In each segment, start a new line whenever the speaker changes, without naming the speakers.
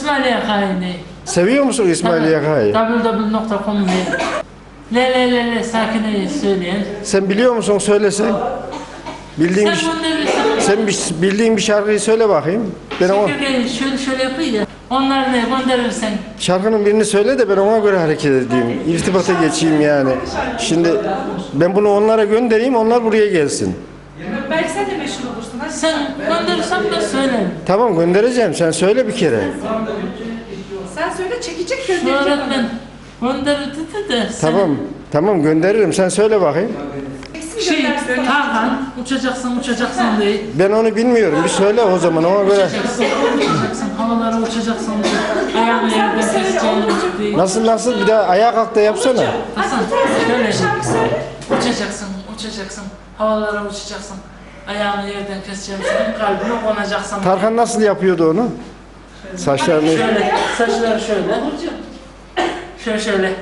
İsmail Yakay'ını.
Seviyor musun İsmail Yakay'ı?
www.com le Sakine'yi söyleyen.
Sen biliyor musun, söylesen? Bildiğin
Sen
bir,
gönderirsen.
bildiğin bir şarkıyı söyle bakayım. Ben ona,
Çekirgeyi şöyle yapayım ya. Onları ne gönderirsen.
şarkının birini söyle de ben ona göre hareket edeyim. İrtibata geçeyim yani. Şimdi ben bunu onlara göndereyim, onlar buraya gelsin.
Belki sen de meşhur olursun. Hadi.
Sen gönderirsen de söylerim.
Tamam, göndereceğim. Sen söyle bir kere.
Sen söyle, çekecek
Şu
gönderecek
öğretmen gönderirdi de sen.
Tamam gönderirim. Sen söyle bakayım.
Şey, Tarhan uçacaksın diye.
Ben onu bilmiyorum. Bir söyle o zaman, ona göre.
Uçacaksın, havalara uçacaksın diye. Ayağını yerden keseceğini diye.
Nasıl? Bir daha ayağa kalk da yapsana.
Hasan, şöyle. Uçacaksın, havalara uçacaksın. Ayağını yerden keseceğim, senin kalbine konacaksın.
Tarkan nasıl yapıyordu onu? Saçlarını...
Şöyle, saçları şöyle. Şöyle.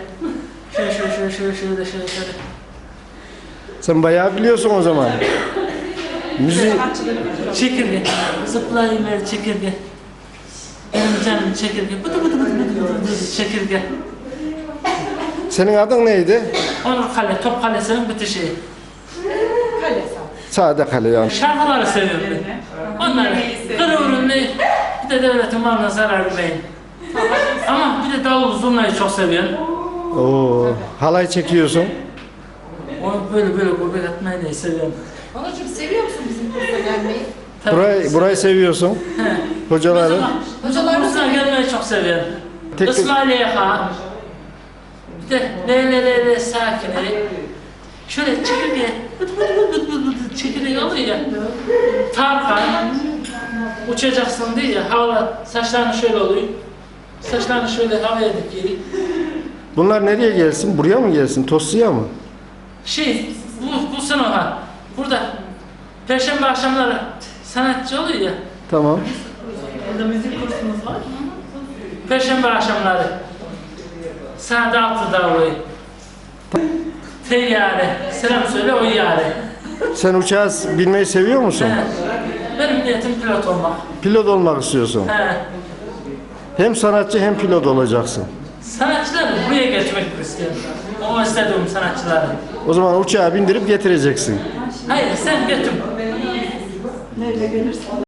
Sen bayağı biliyorsun o zaman. Müzik...
Çekirge, zıplayıver çekirge. Benim canım çekirge, bıdı çekirge.
Senin adın neydi?
Onur Kale, Top Kalesi'nin bitişi.
Kale
Sade Kale yani.
Şarkıları seviyorum ben. Onları kırıvırın ne, bir de devletin malına zarar vermeyin. Ama bir de davul zurnayı çok seviyorum.
Oo, halay çekiyorsun.
Onu böyle gurbet etmeyi de seviyorum.
Onurcuğum, seviyor musun bizim kursa gelmeyi?
Burayı seviyorsun.
He.
Hocaları.
Hocalar kursuna gelmeyi çok seviyorum.
Tek-
İsmail Yaka. Bir de le Sakine. Şöyle çekirge, çekirge oluyor ya. Tarkan, uçacaksın diye ya, havalar, saçlarını şöyle oluyor. Saçlarını şöyle havaya dikiyor.
Bunlar nereye gelsin? Buraya mı gelsin? Toslu'ya mı?
Bu sınıfa, burada Perşembe akşamları sanatçı oluyor ya.
Tamam.
Burada müzik kursunuz var.
Perşembe akşamları. Saat 6'da oluyor. Teyyare, selam söyle o yare.
Sen uçağı binmeyi seviyor musun?
He. Benim niyetim pilot olmak.
Pilot olmak istiyorsun.
He.
Hem sanatçı hem pilot olacaksın.
Sanatçılar buraya geçmek istiyorum. O istediğim sanatçıları.
O zaman uçağa bindirip getireceksin.
Hayır sen götür.
Nereye gelirsin?